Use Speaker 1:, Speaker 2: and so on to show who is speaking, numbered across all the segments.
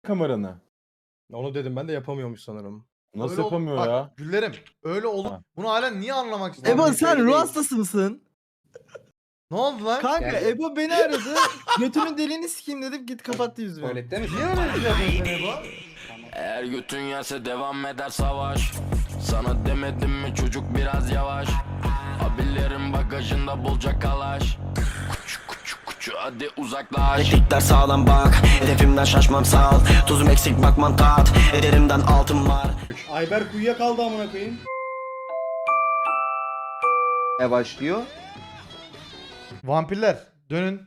Speaker 1: kameranı.
Speaker 2: Onu dedim ben de yapamıyormuş sanırım.
Speaker 1: Nasıl
Speaker 3: Öyle
Speaker 1: yapamıyor
Speaker 3: bak,
Speaker 1: ya?
Speaker 3: Güllerim. Öyle olup
Speaker 1: Ha.
Speaker 3: bunu halen niye anlamak istiyorsun?
Speaker 4: Ebo sen ruh hastası mısın?
Speaker 3: Ne oldu lan?
Speaker 4: Kanka Ebo beni aradı. Götünün deliğini sikeyim dedim git kapattı yüzümü.
Speaker 5: Tuvalette misin?
Speaker 3: Niye öyle bir şey yapıyorsun Ebo?
Speaker 6: Eğer götün yerse devam eder savaş. Sana demedim mi çocuk biraz yavaş. Abilerin bagajında bolca kalaş. Kuçu kuçu kuçu hadi uzaklaş.
Speaker 7: Dikler sağlam bak, hedefimden şaşmam sağ ol. Tuzum eksik bakman tat, ederimden altın var.
Speaker 5: Ayberk uyuyakaldı amına koyayım.
Speaker 8: Ne başlıyor?
Speaker 3: Vampirler dönün.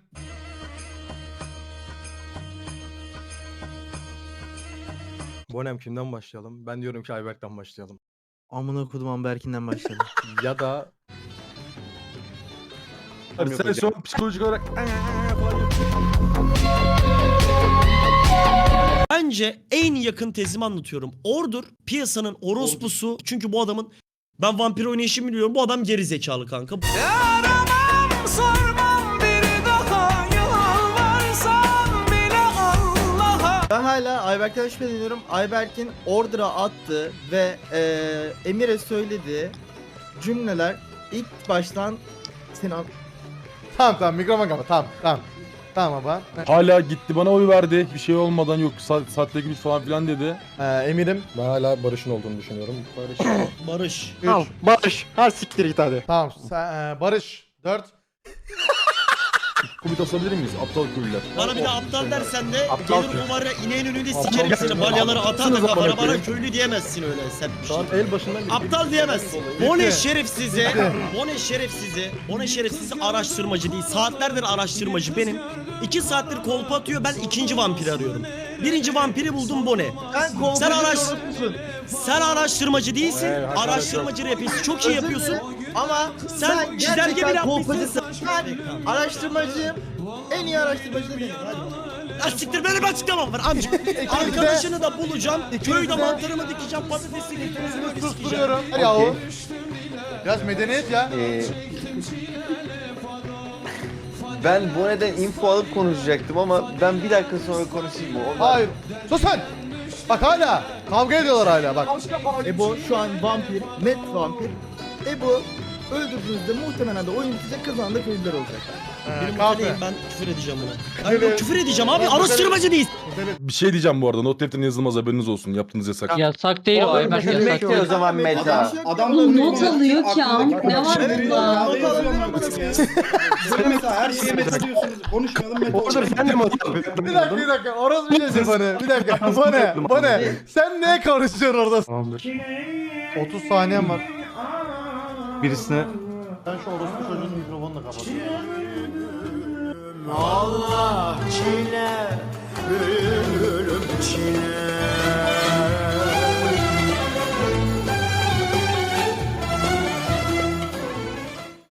Speaker 2: Bonem kimden başlayalım? Ben diyorum ki Ayberk'ten başlayalım.
Speaker 4: Amına kodum Amberkin'den başladım.
Speaker 2: Ya da
Speaker 1: Hadi sen şu an psikolojik olarak
Speaker 9: Bence en yakın tezimi anlatıyorum. Ordur piyasanın orospusu. Çünkü bu adamın ben vampir oynayışımı biliyorum. Bu adam geri zekalı kanka.
Speaker 4: Ben hala Ayberk'ten şüpheleniyorum. Ayberk'in Order'a attı ve Emir'e söylediği cümleler ilk baştan Sinan
Speaker 3: Tamam mikrofon kapat tamam. Tamam baba.
Speaker 1: hala gitti bana oy verdi. Bir şey olmadan yok saatle güç falan filan dedi.
Speaker 3: Emirim.
Speaker 2: ben hala Barış'ın olduğunu düşünüyorum.
Speaker 9: Barış.
Speaker 3: Al
Speaker 2: Barış. Ha siktir git hadi.
Speaker 3: Tamam Barış. 4.
Speaker 1: Kubit asabilir miyiz? Aptal köylüler.
Speaker 9: Bana bir de aptal dersen de
Speaker 2: Aptal
Speaker 9: gelir
Speaker 2: köy.
Speaker 9: o var ya ineğin önünde
Speaker 2: Aptal
Speaker 9: sikerim
Speaker 2: köy.
Speaker 9: seni. Balyaları atar da
Speaker 1: Aptalsınız
Speaker 9: kafana
Speaker 1: amına
Speaker 9: bana
Speaker 1: koyayım.
Speaker 9: köylü diyemezsin öyle sert bir
Speaker 2: Şu
Speaker 9: şey.
Speaker 2: an el başından beri.
Speaker 9: Aptal diyemezsin. Bone şerefsizi araştırmacı değil. Saatlerdir araştırmacı benim. 2 saattir kolpa atıyor, ben ikinci vampiri arıyorum. Birinci vampiri buldum Bone.
Speaker 4: sen kovboycu
Speaker 9: Sen araş-
Speaker 4: orospusun.
Speaker 9: Sen araştırmacı değilsin.
Speaker 1: Evet, hakaret
Speaker 9: araştırmacı rapisi çok iyi yapıyorsun.
Speaker 4: Ama
Speaker 9: Sen çizelge bile
Speaker 4: gerçekten
Speaker 9: yapmışsın.
Speaker 4: kolpacısın. Ben araştırmacıyım. En iyi araştırmacı da benim. Hadi.
Speaker 9: Ya siktir benim açıklamam var amca. Arkadaşını da bulacağım. Köyde mantarımı dikeceğim. Patatesi götürüzümü böyle sikeceğim.
Speaker 3: Susturuyorum. Hadi yahu. Biraz medeniyet ya.
Speaker 8: Ben bu neden info alıp konuşacaktım ama ben bir dakika sonra konuşayım mı?
Speaker 3: Hayır. Sus sen. Bak hala. Kavga ediyorlar hala bak.
Speaker 4: Ebo şu an vampir, net vampir. Ebo öldürdüğünüzde muhtemelen de oyun bitecek, kazanan da köylüler olacak.
Speaker 9: Benim
Speaker 3: Kahve.
Speaker 9: mutluyum, ben küfür edeceğim buna. Ben yok, küfür edeceğim abi, araştırmacı değil.
Speaker 1: Bir şey diyeceğim bu arada. Not defterine yazılmaz haberiniz olsun. Yaptığınız yasak.
Speaker 10: Yasak değil o Ayberk yasak
Speaker 8: Gülmek de o
Speaker 10: değil.
Speaker 8: zaman meta.
Speaker 10: Oğlum not alıyor ki am. Ne var bunda?
Speaker 5: Mesela her şeye meta diyorsunuz. Konuşmayalım meta.
Speaker 2: Orada sen de mi
Speaker 3: Bir dakika. Orası bir şey bana. Bir dakika. Bu ne? Sen ne konuşuyorsun orada?
Speaker 2: Tamamdır.
Speaker 3: 30 saniyem var.
Speaker 2: Birisine
Speaker 3: Ben şu orospu çocuğun mikrofonunu da kapatayım.
Speaker 7: Allah çile, ölüm çile.